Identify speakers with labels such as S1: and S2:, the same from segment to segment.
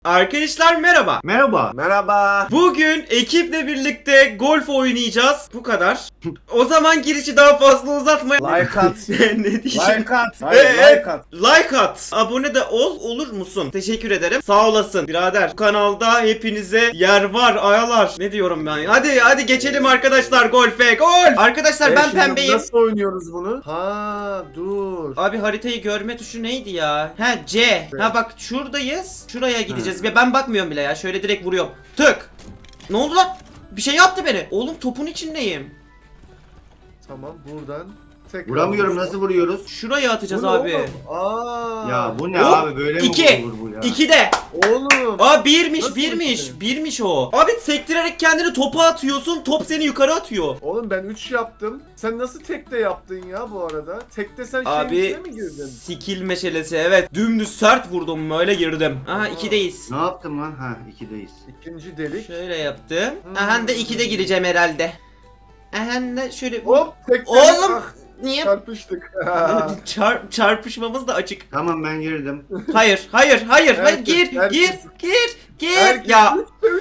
S1: Arkadaşlar merhaba.
S2: Merhaba.
S3: Merhaba.
S1: Bugün ekiple birlikte golf oynayacağız. Bu kadar. O zaman girişi daha fazla uzatmayalım.
S3: Like at.
S1: Ne diyeceğim?
S3: Like at. Hayır, like at.
S1: Like at. Abone de olur musun? Teşekkür ederim. Sağ olasın birader. Bu kanalda hepinize yer var ayalar. Ne diyorum ben? Hadi geçelim arkadaşlar golfe. Gol! Arkadaşlar ben
S3: Şimdi
S1: pembeyim.
S3: Nasıl oynuyoruz bunu? Ha dur.
S1: Abi haritayı görme tuşu neydi ya? Ha C. Ha bak şuradayız. Şuraya gideceğiz. Ve ben bakmıyorum bile ya. Şöyle direkt vuruyorum. Tık. Ne oldu lan? Bir şey yaptı beni. Oğlum topun içindeyim.
S3: Tamam buradan. Tekrar
S2: Vuramıyorum,
S3: vursa.
S2: nasıl vuruyoruz?
S1: Şuraya atacağız
S3: Bu ne
S1: abi.
S3: oğlum?
S2: Ya bu ne
S1: Hop,
S2: abi, böyle mi
S1: iki.
S2: olur bu ya?
S1: 2'de.
S3: Oğlum.
S1: Aa birmiş
S3: Nasıl
S1: birmiş.
S3: iki?
S1: Birmiş o. Abi sektirerek kendini topa atıyorsun. Top seni yukarı atıyor.
S3: Oğlum ben 3 yaptım. Sen nasıl tekte yaptın ya bu arada? Tekte sen
S1: Abi
S3: şeyin içine mi girdin?
S1: skill meşalesi evet. Dümdüz sert vurdum böyle girdim. Aha 2'deyiz.
S2: Ne yaptım lan? Ha, 2'deyiz.
S3: İkinci delik.
S1: Şöyle yaptım. Aha da 2'de gireceğim herhalde. Aha da şöyle.
S3: Hop tekte.
S1: Oğlum!
S3: Ah,
S1: Niye?
S3: çarpıştık.
S1: Çarpışmamız da açık.
S2: Tamam, ben girdim.
S1: Hayır
S3: Herkes-
S1: gir
S3: Herkes
S1: ya.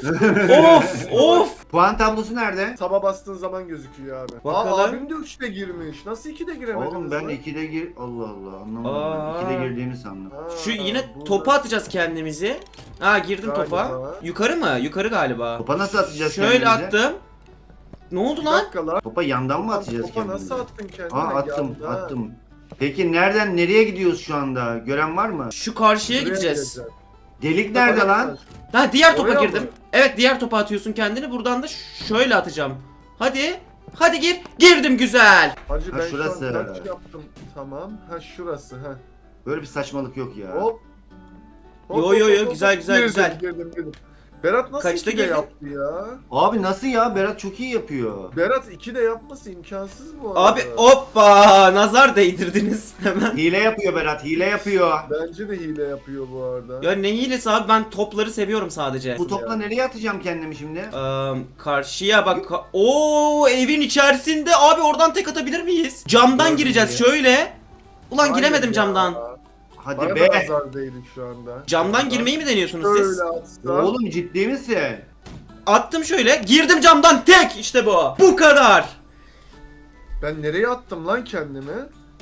S1: Of.
S2: Puan tablosu nerede?
S3: Taba bastığın zaman gözüküyor abi.
S1: Bakalım.
S3: Aa abim de 3'te girmiş. Nasıl 2'de giremediniz
S2: Oğlum ben
S3: lan?
S2: 2'de gir... Allah Allah, anlamadım.
S1: Aa.
S2: 2'de girdiğini sandım.
S3: Ha,
S1: Şu yine
S3: burada.
S1: topa atacağız kendimizi. Aa girdim topa.
S3: Galiba.
S1: Yukarı mı? Yukarı galiba.
S2: Topa nasıl atacağız
S1: Şöyle
S2: kendimizi?
S1: attım. Ne oldu
S3: Bir
S1: lan?
S3: dakika lan.
S2: Topa yandan mı atacağız
S3: Topa
S2: kendimizi?
S3: nasıl attın kendine?
S2: Aa, attım,
S3: Yanda.
S2: attım. Peki nereye gidiyoruz şu anda? Gören var mı?
S1: Şu karşıya
S3: Buraya
S1: gideceğiz.
S3: gideceğiz.
S2: Delik nerede lan?
S1: Ha diğer topa
S3: Oraya
S1: girdim.
S3: mı?
S1: Evet diğer topa atıyorsun kendini. Buradan da şöyle atacağım. Hadi. Hadi gir. Girdim güzel.
S3: Hacı
S2: Ha,
S3: ben
S2: şurası.
S3: şu an kaç yaptım. Tamam. Ha şurası ha.
S2: Böyle bir saçmalık yok ya.
S3: Hop.
S1: Yo, güzel,
S3: Girdim,
S1: güzel.
S3: Girdim. Berat nasıl
S1: Kaçta
S3: 2'de
S1: girdin?
S3: yaptı ya?
S2: Abi nasıl ya? Berat çok iyi yapıyor.
S3: Berat 2'de yapması imkansız bu arada.
S1: Abi hoppa nazar değdirdiniz hemen.
S2: Hile yapıyor Berat, hile yapıyor.
S3: Bence de hile yapıyor bu arada.
S1: Ya ne hilesi abi ben topları seviyorum sadece.
S2: Bu topla nereye atacağım kendimi şimdi?
S1: Karşıya bak. Oo evin içerisinde abi oradan tek atabilir miyiz? Camdan
S2: Gördüm
S1: gireceğiz
S2: ya.
S1: şöyle. Ulan
S3: Hayır
S1: giremedim
S3: ya.
S1: camdan.
S2: Hadi
S3: Bana
S2: be.
S3: da nazar değdi şu anda.
S1: Camdan girmeyi mi deniyorsunuz siz?
S3: Şöyle atsam.
S2: Oğlum ciddi misin?
S1: Attım şöyle. Girdim camdan tek işte bu. Bu kadar.
S3: Ben nereye attım lan kendimi?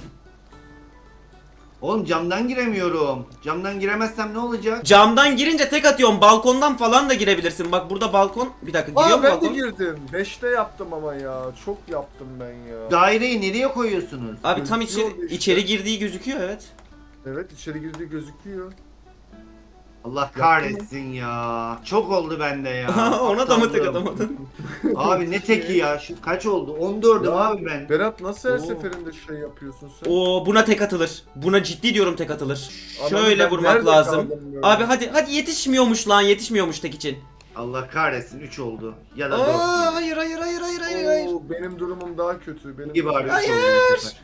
S2: Oğlum camdan giremiyorum. Camdan giremezsem ne olacak?
S1: Camdan girince tek atıyorum. Balkondan falan da girebilirsin. Bak burada balkon. Bir dakika giriyor
S3: Aa
S1: mu
S3: ben de
S1: balkon?
S3: girdim. 5'te yaptım ama ya. Çok yaptım ben ya.
S2: Daireyi nereye koyuyorsunuz?
S1: Abi tam
S3: Gözüküyor işte.
S1: içeri girdiği gözüküyor evet.
S3: Evet içeri girdiği gözüküyor.
S2: Allah kahretsin ya. Çok oldu bende ya.
S1: Ona da mı tek
S2: Aptallığım.
S1: atamadın?
S2: Abi ne teki ya? Şu kaç oldu? 14'üm
S3: Ya,
S2: abi ben.
S3: Berat nasıl her
S2: Oo.
S3: seferinde şey yapıyorsun sen?
S1: Oo buna tek atılır. Buna ciddi diyorum tek atılır.
S3: Adam
S1: Şöyle
S3: ben
S1: vurmak
S3: nerede
S1: lazım.
S3: kaldım böyle?
S1: Abi hadi yetişmiyormuş lan yetişmiyormuş tek için.
S2: Allah kahretsin 3 oldu. Ya da 4.
S1: Aa hayır.
S3: Oo, benim durumum daha kötü. Benim
S2: İyi bari 3
S1: Hayır.
S2: oldu bu sefer.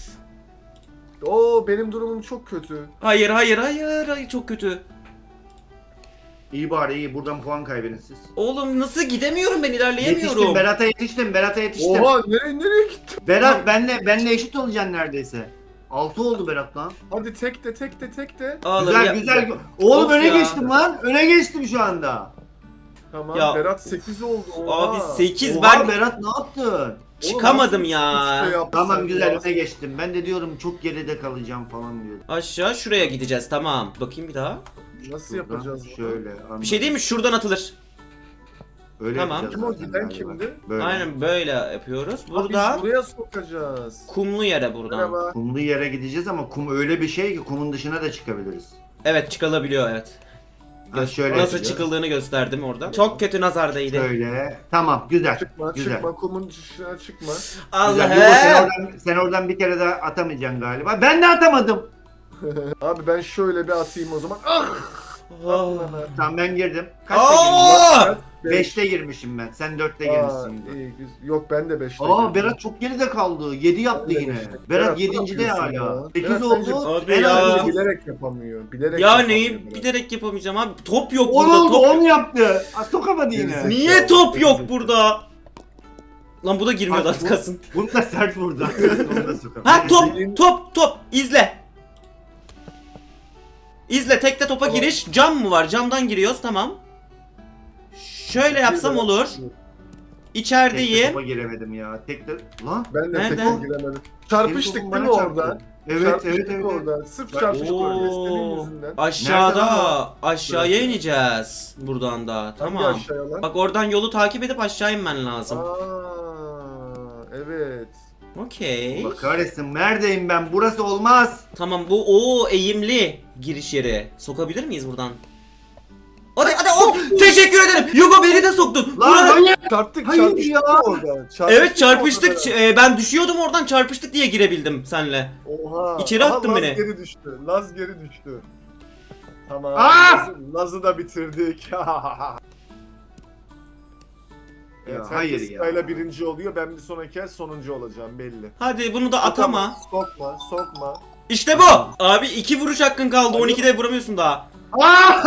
S3: Oo benim durumum çok kötü.
S1: Hayır çok kötü.
S2: İyi bari iyi. Buradan puan kaybedin siz.
S1: Oğlum nasıl gidemiyorum ben
S2: Yetiştim
S1: ilerleyemiyorum.
S2: Berat'a yetiştim. Berat'a yetiştim.
S3: Oha nereye gittin?
S2: Berat benle eşit olacaksın neredeyse. 6 oldu Berat lan.
S3: Hadi tek de.
S1: Ağlarım
S2: Güzel
S1: ya.
S2: güzel. Oğlum
S1: Of
S2: öne
S1: ya.
S2: geçtim lan. Öne geçtim şu anda.
S3: Tamam
S1: Ya.
S3: Berat 8 oldu. Oha.
S1: Abi 8
S2: Oha
S1: ben
S2: Berat ne yaptın?
S1: çıkamadım
S3: Oğlum,
S1: ya.
S3: nasıl üç de yaptın
S2: Tamam
S3: sen
S2: güzel
S3: ya?
S2: öne geçtim. Ben de diyorum çok geride kalacağım falan diyordum.
S1: Aşağı şuraya gideceğiz tamam. Bakayım bir daha.
S3: Nasıl
S2: Şuradan
S3: yapacağız bunu?
S2: Şöyle.
S1: Bir şey değil mi? Şuradan atılır.
S2: Öyle
S1: Tamam.
S2: yapacağız
S3: Kim o
S2: zaten
S3: giden
S2: galiba.
S3: kimdi?
S2: Böyle.
S1: Aynen böyle yapıyoruz.
S3: Ha,
S1: Burada
S3: biz buraya sokacağız.
S1: kumlu yere buradan.
S3: Merhaba.
S2: Kumlu yere gideceğiz ama kum öyle bir şey ki kumun dışına da çıkabiliriz.
S1: Evet çıkılabiliyor evet.
S2: Ha, şöyle
S1: Nasıl
S2: yapacağız.
S1: çıkıldığını gösterdim orada. Çok kötü nazar değdi.
S2: Şöyle. Tamam güzel.
S3: Çıkma
S2: güzel.
S3: çıkma kumun dışına çıkma.
S2: Güzel. Yugo, sen
S1: Allah'ım.
S2: sen oradan bir kere daha atamayacaksın galiba. Ben de atamadım.
S3: Abi ben şöyle bir atayım o zaman. Ah!
S1: Oh.
S2: Tamam ben girdim. Kaçta
S1: Aa!
S2: girmişim? 5'te girmişim ben. Sen 4'te girmişsin.
S3: iyi, güzel. Yok ben de 5'te.
S2: Aa Berat çok geride kaldı. 7 yaptı yine. Berat 7.de hala. 8 oldu.
S1: Abi
S2: En
S1: ya.
S2: az
S3: Bence
S2: dokuz.
S3: bilerek yapamıyor. Bilerek
S1: Ya
S3: yapamıyor
S1: neyi
S3: Berat.
S1: bilerek yapamayacağım abi. Top yok
S2: 10
S1: burada.
S2: oldu
S1: Top.
S2: 10 yaptı. Aa, sokamadı yine.
S1: Niye top yok burada? Lan bu da girmiyordu
S2: Bak,
S1: az
S2: bu-
S1: kalsın.
S2: Bunu da sert vurdu. Onu da sokamadı.
S1: Ha top izle. İzle, tekte topa
S3: Tamam.
S1: giriş. Cam mı var? Camdan giriyoruz, tamam. Şöyle yapsam olur.
S2: Tekte
S1: İçerideyim.
S2: topa giremedim ya. Tekte... Lan.
S3: Ben de
S1: Nerede?
S3: tekte giremedim. Çarpıştık
S2: Senin
S3: değil mi
S2: topun bana
S3: orada?
S2: çarptı. Evet
S3: Çarpıştık
S2: evet evet.
S3: orada. Sırf
S2: Bak-
S3: çarpıştık orada. Senin
S1: Oo.
S3: yüzünden.
S1: Aşağıda.
S2: Nerede
S1: Aşağıya ineceğiz. Buradan da.
S3: Hangi
S1: Tamam.
S3: aşağıya lan?
S1: Bak oradan yolu takip edip aşağı inmen lazım.
S3: Aa, evet.
S1: Okey.
S2: Allah kahretsin. Neredeyim ben? Burası olmaz.
S1: Tamam, bu eğimli giriş yeri. Sokabilir miyiz buradan? Hadi teşekkür ederim. Yugo, beni de soktun.
S2: Lan
S1: Buranın-
S2: manyak.
S3: Çarptık
S2: Hayır
S3: çarpıştık
S2: ya.
S3: orada.
S1: Evet, çarpıştık.
S3: orada.
S1: Ben düşüyordum oradan, çarpıştık diye girebildim senle.
S3: Oha.
S1: İçeri
S3: Aha,
S1: attın
S3: Laz
S1: beni.
S3: geri düştü. Laz geri düştü. Tamam.
S2: Aa!
S3: Laz'ı da bitirdik. Evet,
S2: Ya, hayır
S3: herkes
S2: ya.
S3: sırayla birinci oluyor. Ben bir sonraki el sonuncu olacağım belli.
S1: Hadi bunu da atama.
S3: Sokma, sokma.
S1: İşte bu. Abi 2 vuruş hakkın kaldı. 12'de vuramıyorsun daha.
S2: Aa!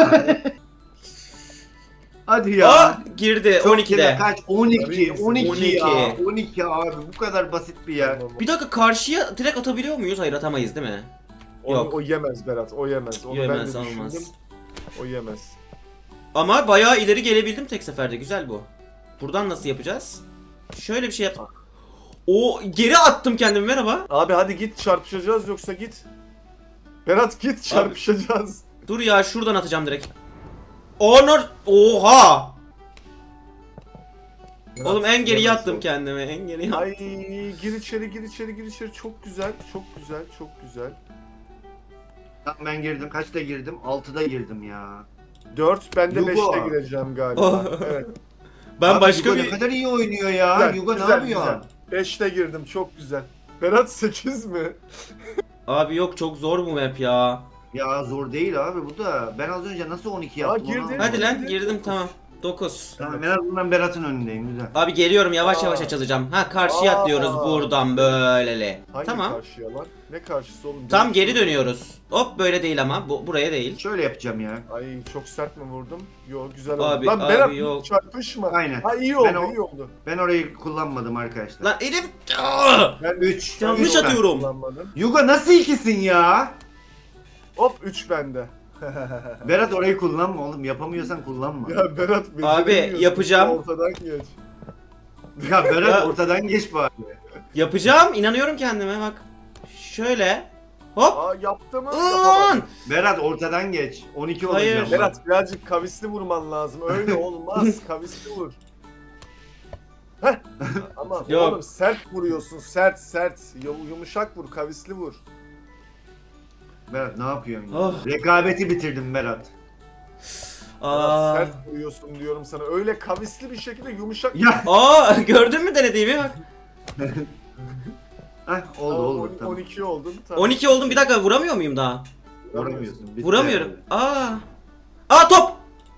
S2: Hadi ya.
S1: Aa, girdi
S2: Çok
S1: 12'de.
S2: güzel. Kaç? 12.
S3: Tabii,
S2: 12 ya.
S1: 12.
S2: 12 abi. Bu kadar basit bir yer.
S3: Tamam.
S1: Bir dakika, karşıya direkt atabiliyor muyuz? Hayır, atamayız değil mi? Yok.
S3: O yemez Berat, o yemez. Onu
S1: Yemez,
S3: ben de
S1: olmaz.
S3: düşündüm. O yemez.
S1: Ama bayağı ileri gelebildim tek seferde. Güzel bu. Buradan nasıl yapacağız? Şöyle bir şey yap. O geri attım kendimi, merhaba.
S3: Abi hadi git çarpışacağız yoksa git. Berat git çarpışacağız.
S1: Dur ya, şuradan atacağım direkt. Honor. Oha.
S3: Berat,
S1: Oğlum en geriye
S3: yemez
S1: attım
S3: o.
S1: kendimi. En geriye attım.
S3: Ay gir içeri gir içeri gir içeri çok güzel çok güzel çok güzel.
S2: Tamam ben girdim. Kaçta girdim? 6'da girdim ya.
S3: 4 ben de
S2: Yugo.
S3: 5'te gireceğim galiba.
S1: Oh.
S3: Evet.
S1: Ben
S2: Abi
S1: başka
S2: Yugo
S1: bir...
S2: ne kadar iyi oynuyor ya.
S3: Güzel,
S2: Yugo ne
S3: güzel,
S2: yapıyor?
S3: güzel. 5'te girdim çok güzel. Berat 8 mi?
S1: Abi yok, çok zor bu map ya.
S2: Ya zor değil abi bu da. Ben az önce nasıl 12 yaptım onu
S3: girdin.
S2: anlamadım.
S1: Hadi lan,
S3: Girdi.
S1: girdim, tamam. 9.
S2: Tamam en azından Berat'ın önündeyim güzel.
S1: Abi geliyorum, yavaş
S3: Aa.
S1: yavaş açılacağım. Ha, karşıya
S3: Aa.
S1: atlıyoruz buradan böylele.
S3: Hangi
S1: Tamam.
S3: karşıya lan? Ne karşısı oğlum?
S1: Tam geri dönüyoruz. Hop, böyle değil ama. Buraya değil.
S2: Şöyle yapacağım ya.
S3: Ay çok sert mi vurdum? Yok güzel oldu.
S1: Abi,
S3: Lan
S1: abi,
S3: Berat
S1: yok.
S3: çarpışma.
S2: Aynen.
S3: Ha iyi oldu
S2: Ben o-
S3: iyi oldu.
S2: Ben orayı kullanmadım arkadaşlar.
S1: Lan elim... Aa!
S3: Ben
S2: 3.
S1: Yanlış atıyorum.
S3: kullanmadım.
S2: Yugo nasıl ikisin ya?
S3: Hop 3 bende.
S2: Berat orayı kullanma oğlum. Yapamıyorsan kullanma. Ya,
S3: Ya Berat
S1: Abi,
S3: beceremiyorsun.
S1: yapacağım.
S3: Ortadan geç.
S2: Berat
S1: Ya.
S2: ortadan geç bari.
S1: Yapacağım. İnanıyorum kendime, bak. Şöyle. Hop.
S3: Aa yaptı mı?
S1: Ulan!
S3: Yapamadım.
S2: Berat ortadan geç. 12
S1: Hayır.
S2: olacağım.
S3: Berat birazcık kavisli vurman lazım. Öyle olmaz. Kavisli vur. Heh. Ama
S1: Yok.
S3: oğlum sert vuruyorsun. Sert sert. Yumuşak vur. Kavisli vur.
S2: Berat ne yapıyorsun ya?
S1: Oh.
S2: Rekabeti bitirdim Berat.
S1: Aa.
S3: Sert vuruyorsun diyorum sana. Öyle kavisli bir şekilde yumuşak.
S2: Ya.
S1: Aa, gördün mü denediğimi, bak.
S2: Heh, oldu
S3: Aa,
S2: oldu tamam.
S3: 12 oldun. Tamam.
S1: 12 oldum, bir dakika, vuramıyor muyum daha?
S2: Vuramıyorsun. bitti
S1: Vuramıyorum.
S2: herhalde.
S1: Aa, top.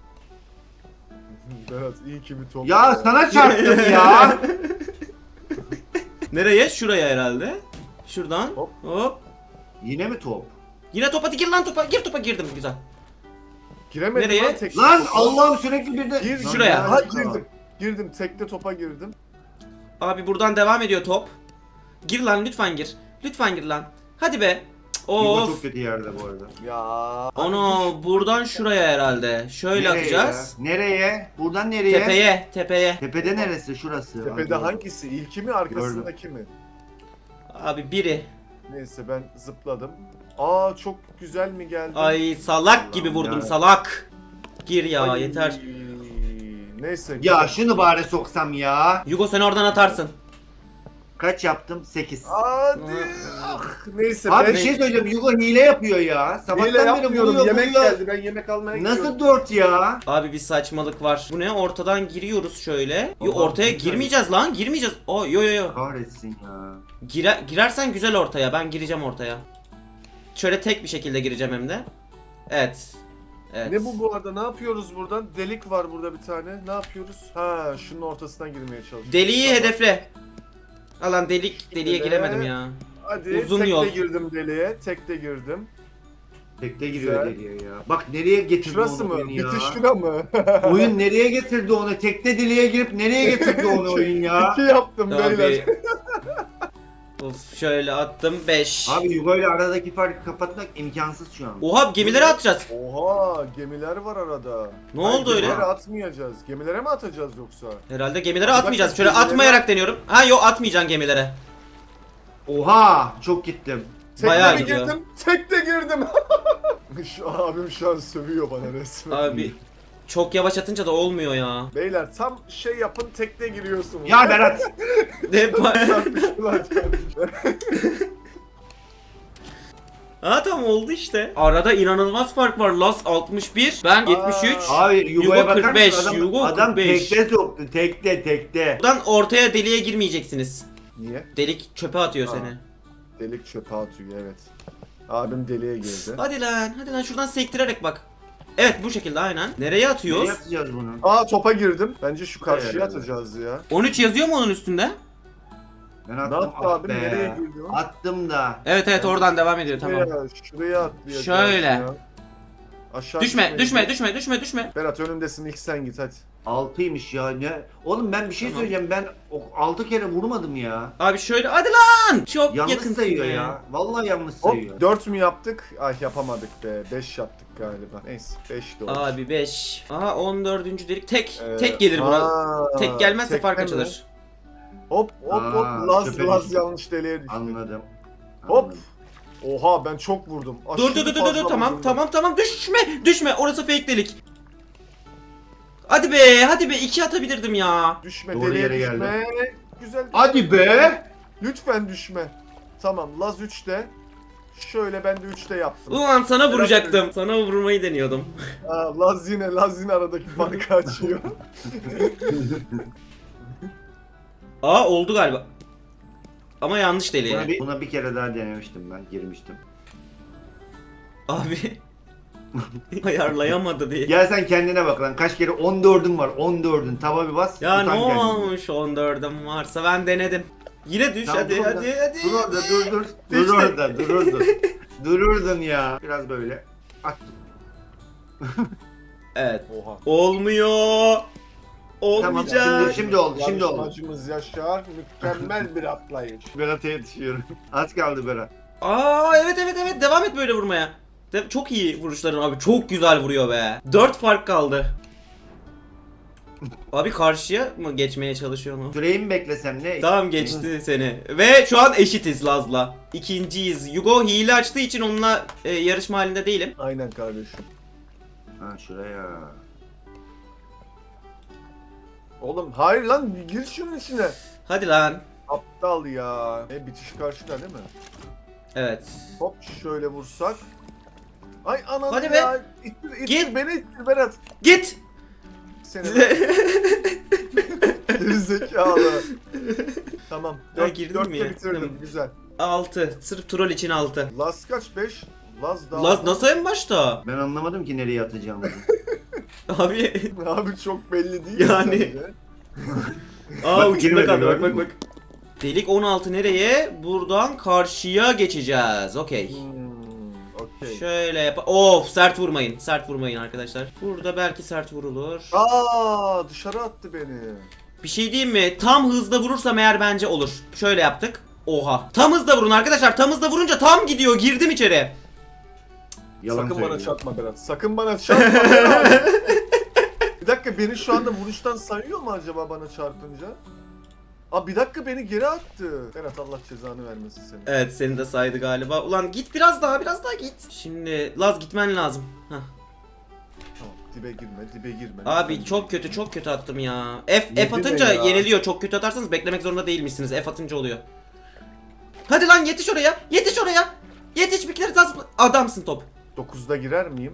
S3: Berat iyi ki bir top.
S2: Ya sana çarptım ya.
S1: Nereye? Şuraya herhalde. Şuradan.
S3: Hop.
S1: Hop.
S2: Yine mi top?
S1: Yine topa, gir lan topa. Gir topa, girdim, güzel.
S3: Giremedim
S1: Nereye?
S3: lan tek.
S2: Lan Allah'ım sürekli bir de...
S3: Gir
S2: Lan
S1: şuraya.
S2: ya.
S3: Ha girdim. Girdim. Tekte topa girdim.
S1: Abi buradan devam ediyor top. Gir lan, lütfen gir. Lütfen gir lan. Hadi be. Cık,
S2: Yugo
S1: Of.
S2: çok kötü yerde bu arada.
S3: Ya.
S1: Onu buradan şuraya herhalde. Şöyle
S2: Nereye
S1: atacağız.
S2: ya? Nereye? Buradan nereye?
S1: Tepeye, tepeye.
S2: Tepede neresi? Şurası.
S3: Tepede
S2: Hadi.
S3: hangisi? İlki mi arkasındaki mi?
S1: Abi biri.
S3: Neyse ben zıpladım. Aa çok güzel mi geldi?
S1: Ay, salak gibi vurdum,
S2: ya.
S1: salak. Gir ya,
S3: Ay,
S1: yeter.
S3: Neyse.
S2: Ya
S3: güzel.
S2: şunu bari soksam ya.
S1: Yugo, sen oradan atarsın.
S2: Kaç yaptım? 8.
S3: Hadi. Ah, neyse
S2: Abi
S3: ben
S2: bir şey söyleyeceğim. Yugo hile yapıyor ya.
S3: hile
S2: Sabahtan beri
S3: yapmıyorum.
S2: vuruyor
S3: Yemek
S2: vuruyor.
S3: geldi. Ben yemek almaya gidiyorum.
S2: Nasıl 4 ya?
S1: Abi bir saçmalık var. Bu ne? Ortadan giriyoruz şöyle. Yo,
S2: Allah,
S1: ortaya
S2: güzel.
S1: girmeyeceğiz lan. Girmeyeceğiz. O yo yo yo.
S2: Kahretsin ya.
S1: Girersen güzel ortaya. Ben gireceğim ortaya. Şöyle tek bir şekilde gireceğim hem de. Evet. Evet.
S3: Ne bu arada? Ne yapıyoruz buradan? Delik var burada bir tane. Ne yapıyoruz? Ha, şunun ortasından girmeye çalışıyoruz.
S1: Deliği
S3: Tamam.
S1: hedefle. Alan deliğe
S3: Şöyle.
S1: giremedim ya.
S3: Hadi
S1: Uzun
S3: tekte
S1: yol.
S3: girdim deliğe. Tekte girdim.
S2: Tekte giriyor
S3: Güzel.
S2: deliye ya. Bak nereye getirdi
S3: Şurası
S2: onu
S3: mı?
S2: oyun ya.
S3: Bitiş şura mı?
S2: Oyun nereye getirdi onu? Tekte deliğe girip nereye getirdi onu oyun ya?
S3: 2 yaptım
S1: Abi.
S3: beyler.
S1: Of şöyle attım 5.
S2: Abi Yugo ile aradaki farkı kapatmak imkansız şu an.
S1: Oha gemilere atacağız.
S3: Oha gemiler var arada.
S1: Ne oldu öyle?
S3: Gemilere atmayacağız. Gemilere mi atacağız yoksa?
S1: Herhalde gemilere
S3: Bir
S1: atmayacağız.
S3: dakika,
S1: Şöyle
S3: gemilere-
S1: atmayarak deniyorum. Ha yok atmayacaksın gemilere.
S2: Oha çok gittim.
S1: Bayağı
S3: mi
S1: gidiyor.
S3: girdim? Tekte girdim. Şu abim şu an sövüyor bana resmen.
S1: Abi çok yavaş atınca da olmuyor ya.
S3: Beyler tam şey yapın tekte giriyorsunuz.
S2: Ya Berat.
S1: Ne
S3: Çarpıştılar, çarpıştılar.
S1: Ha tamam oldu işte. Arada inanılmaz fark var. Las 61, ben 73.
S3: Aa.
S2: Abi Yugo'ya
S1: Yugo
S2: bakar
S1: 45,
S2: mısın? Adam,
S1: Yugo
S2: adam
S1: 45.
S2: tekte soktu. Tekte.
S1: Buradan ortaya deliğe girmeyeceksiniz.
S3: Niye?
S1: Delik çöpe atıyor
S3: Aa.
S1: seni.
S3: Delik çöpe atıyor evet. Abim deliğe girdi.
S1: Hadi lan şuradan sektirerek bak. Evet bu şekilde aynen. Nereye atıyoruz?
S2: Nereye atacağız bunu?
S3: Aa topa girdim. Bence şu karşıya
S2: Evet.
S3: atacağız ya.
S1: 13 yazıyor mu onun üstünde?
S2: Ben
S3: Ne
S2: attım.
S3: yaptı
S2: ah
S3: abim?
S2: be.
S3: Nereye girdi o?
S2: Attım da.
S1: Evet oradan devam ediyor tamam.
S3: Şuraya atlayacağız
S1: Şöyle.
S3: ya. Aşağı
S1: Düşme
S3: düşmeyin.
S1: düşme.
S3: Berat önündesin ilk sen git hadi.
S2: 6'ymış ya ne? Oğlum ben bir şey
S1: Tamam.
S2: söyleyeceğim. Ben 6 kere vurmadım ya.
S1: Abi şöyle hadi lan. Çok
S2: Yanlış
S1: yakınsın
S2: sayıyor
S1: be.
S2: ya. Vallahi yanlış sayıyor.
S3: Hop 4 mü yaptık? Ay yapamadık be. 5 yaptık galiba. Neyse 5 de olur.
S1: Abi 5. Aha 14. delik tek gelir buna.
S3: aa,
S1: Tek gelmezse
S3: tekte
S1: fark
S3: mi?
S1: açılır.
S3: Hop
S2: Aa,
S3: Laz
S2: çöpe
S3: Laz
S2: düştü.
S3: yanlış deliğe düştü.
S2: Anladım.
S3: Hop.
S2: Anladım.
S3: Oha ben çok vurdum.
S1: Dur
S3: Aşırı
S1: dur
S3: fazla
S1: tamam
S3: vurdum ben.
S1: tamam düşme orası fake delik. Hadi be 2 atabilirdim ya.
S3: Düşme
S2: Doğru
S3: deliğe
S2: yere
S3: düşme. Güzel.
S2: Hadi be.
S3: Lütfen düşme. Tamam Laz 3'te. Şöyle ben de 3'te yaptım.
S1: Ulan sana vuracaktım. Sana vurmayı deniyordum.
S3: Aa, Laz yine aradaki farkı açıyor.
S1: Aa oldu galiba. Ama yanlış
S2: Buna
S1: deliğe.
S2: buna bir kere daha denemiştim ben. Girmiştim.
S1: Abi. Ayarlayamadı diye.
S2: Gel sen kendine bak lan. Kaç kere 14'ün var. 14'ün. Tava bir bas.
S1: Ya ne
S2: utan kendini.
S1: olmuş 14'üm varsa ben denedim. Yine düş
S2: Tamam,
S1: hadi
S2: dur
S1: hadi
S2: orada.
S1: hadi.
S2: Dur orada dur. Dur
S3: İşte.
S2: orada dururdun. Dururdun ya. Biraz böyle. At.
S1: Evet.
S3: Oha.
S1: Olmuyor. Olmayacak.
S2: Tamam, şimdi oldu. Şimdi oldu.
S3: Yarışmacımız Yaşar mükemmel bir atlayış.
S2: Berat'a yetişiyorum. Az kaldı Berat.
S1: Aa evet devam et böyle vurmaya. Çok iyi vuruşların abi çok güzel vuruyor be. 4 fark kaldı. Abi karşıya mı geçmeye çalışıyor mu?
S2: Süreyi mi beklesem ne?
S1: Tamam geçti seni. Ve şu an eşitiz Laz'la. İkinciyiz. Yugo hile açtığı için onunla yarışma halinde değilim.
S3: Aynen kardeşim.
S2: Ha şuraya.
S3: Oğlum hayır lan gir şunun içine.
S1: Hadi lan.
S3: Aptal ya. Bitiş karşıda değil mi?
S1: Evet.
S3: Hop şöyle vursak. Ay anam
S1: Hadi
S3: ya. İttir
S1: Git.
S3: beni ittir Berat.
S1: Git.
S3: Seni gerizekalı. Tamam.
S1: Ha, girdin mi ya?
S3: bitirdim.
S1: Tamam.
S3: Güzel.
S1: 6. Sırf troll için 6.
S3: Laz kaç? 5. Laz daha.
S1: Laz nasıl en başta?
S2: Ben anlamadım ki nereye atacağımızı.
S1: Abi.
S3: Abi çok belli değil mi
S1: Yani.
S3: sence?
S1: Aa
S2: Bak,
S1: ucunda
S2: girmedi,
S1: kaldı bak
S2: gördün
S1: bak
S2: mü?
S1: bak. Delik 16 nereye? Buradan karşıya geçeceğiz. Okey.
S3: Okey.
S1: Şöyle yap. Of sert vurmayın. Sert vurmayın arkadaşlar. Burada belki sert vurulur.
S3: Aa dışarı attı beni.
S1: Bir şey diyeyim mi? Tam hızda vurursam eğer bence olur. Şöyle yaptık. Oha. Tam hızda vurun arkadaşlar. Tam hızda vurunca tam gidiyor. Girdim içeri.
S2: Yalan
S3: Sakın
S2: söylüyor.
S3: bana çarpma Berat. Sakın bana çarpma Berat. Bir dakika beni şu anda vuruştan sayıyor mu acaba bana çarpınca? Aa bir dakika beni geri attı. Berat Allah cezanı vermesin seni.
S1: Evet seni de saydı galiba. Ulan git biraz daha git. Şimdi Laz gitmen lazım. Hah.
S3: Tamam dibe girme.
S1: Abi
S3: Lütfen.
S1: çok kötü attım ya. F
S3: Yedi
S1: atınca
S3: ne ya?
S1: yeniliyor. Çok kötü atarsanız beklemek zorunda değilmişsiniz. F atınca oluyor. Hadi lan yetiş oraya. Yetiş oraya. Yetiş bir kere adamsın top.
S3: 9'da girer miyim?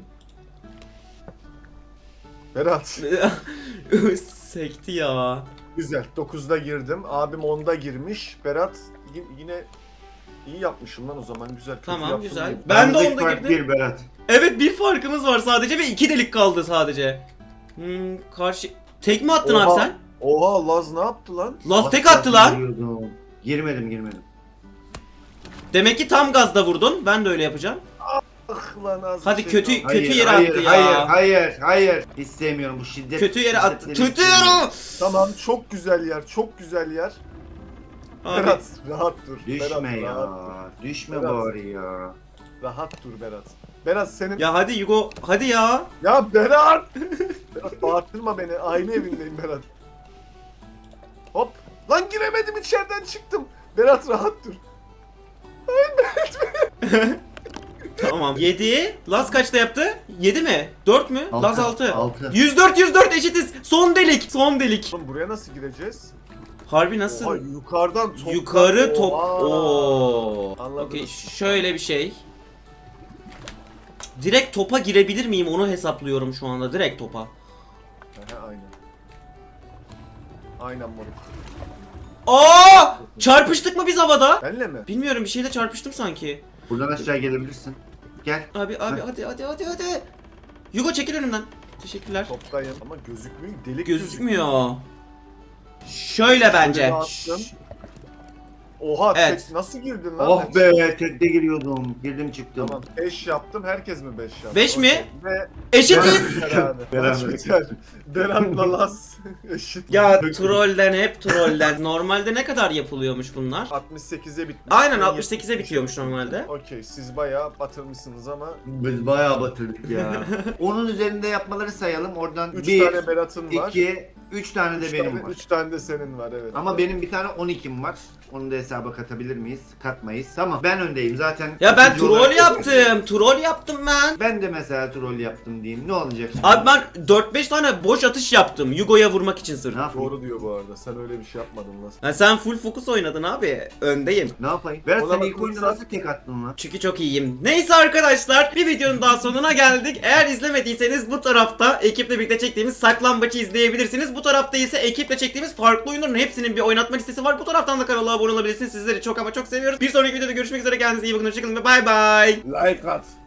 S3: Berat.
S1: Sekti ya.
S3: Güzel. 9'da girdim. Abim 10'da girmiş. Berat yine iyi yapmışım lan o zaman. Güzel. Kötü
S1: Tamam
S3: yaptım
S1: güzel.
S3: değil.
S1: Ben de
S2: Aramızdaki
S1: onda
S2: fark
S1: girdim.
S2: bir Berat.
S1: Evet bir farkımız var sadece ve 2 delik kaldı sadece. Karşı... Tek mi attın
S3: Oha.
S1: abi sen?
S3: Oha Laz ne yaptı lan?
S1: Laz tek attı lan.
S2: Giriyordum. Girmedim.
S1: Demek ki tam gazda vurdun. Ben de öyle yapacağım.
S3: Ah lan az
S1: Hadi
S3: bir şey
S1: kötü-
S3: kaldı.
S1: Kötü yere attı ya.
S2: Hayır. Hiç sevmiyorum bu şiddet.
S1: Kötü yere attı.
S2: şiddetleri hiç
S1: Kötü
S2: sevmiyorum.
S1: yere.
S3: Tamam çok güzel yer. Çok güzel yer.
S1: Abi.
S3: Berat rahat dur.
S2: Düşme
S3: Berat,
S2: ya.
S3: rahat,
S2: Düşme
S3: Berat.
S2: bari ya.
S3: rahat dur Berat. Berat senin...
S1: Ya hadi Yugo hadi ya.
S3: Ya Berat! Berat bağırtırma beni. Aynı evindeyim Berat. Hop. Lan giremedim, içeriden çıktım. Berat rahat dur.
S1: Tamam. 7. Laz kaçta yaptı? 7 mi? 4 mü? Laz 6.
S2: 6.
S1: 104 eşitiz. Son delik. Son delik.
S3: Oğlum buraya nasıl gireceğiz?
S1: Harbi nasıl?
S3: Oha, yukarıdan top.
S1: Yukarı top.
S3: Oha.
S1: Oo.
S3: Anladınız.
S1: Okey, şöyle bir şey. Direkt topa girebilir miyim onu hesaplıyorum şu anda. Direkt topa.
S3: Aha, aynen. Aynen moruk.
S1: Aa! Çarpıştık mı biz havada?
S3: Benle mi?
S1: Bilmiyorum, bir şeyle çarpıştım sanki.
S2: Buradan aşağı gelebilirsin. Gel.
S1: Abi hadi. Yugo çekil önümden. Teşekkürler.
S3: Toptayım ama gözükmüyor. Delik
S1: Gözükmüyor. Şöyle bence.
S3: Şöyle attım. Oha
S1: Evet.
S3: tek nasıl girdin lan?
S2: Oh be, tekte giriyordum. Girdim çıktım.
S3: Tamam 5 yaptım, herkes mi 5 yaptı?
S1: 5 mi?
S3: Okey. Ve
S1: Eşitiz.
S3: Beraber. Berat'la Laz eşit.
S1: Ya trollden hep trollden. Normalde ne kadar yapılıyormuş bunlar?
S3: 68'e bitmiş.
S1: Aynen
S3: Ben
S1: 68'e bitiyormuş normalde.
S3: Okey, siz bayağı batırmışsınız ama
S2: Biz bayağı batırdık ya. Onun üzerinde yapmaları sayalım. Oradan
S3: 3
S2: 1,
S3: tane Berat'ın var.
S2: 2, 3 tane de benim var.
S3: 3 tane de senin var, evet.
S2: Ama benim bir tane 12'm var. Onu da hesaba katabilir miyiz? Katmayız. Tamam, ben öndeyim zaten.
S1: Ya ben
S2: İkinci
S1: troll
S2: olarak-
S1: yaptım. Troll yaptım ben.
S2: Ben de mesela troll yaptım diyeyim. Ne olacak şimdi?
S1: Abi ben 4-5 tane boş atış yaptım. Yugo'ya vurmak için sırf.
S2: Ne yapayım?
S3: Doğru diyor bu arada. Sen öyle bir şey yapmadın lan.
S1: Ha, sen full fokus oynadın abi. Öndeyim.
S2: Ne yapayım? Berat
S3: Ona
S2: sen ilk
S3: bakılırsa-
S2: oyunda nasıl tek attın lan?
S1: Çünkü çok iyiyim. Neyse arkadaşlar, bir videonun daha sonuna geldik. Eğer izlemediyseniz bu tarafta ekiple birlikte çektiğimiz saklambaçı izleyebilirsiniz. Bu tarafta ise ekiple çektiğimiz farklı oyunların hepsinin bir oynatma listesi var. Bu taraftan da kanala abone olabilirsiniz. Sizleri çok ama çok seviyoruz. Bir sonraki videoda görüşmek üzere. Kendinize iyi bakın. Hoşçakalın ve bay bay.
S3: Like at.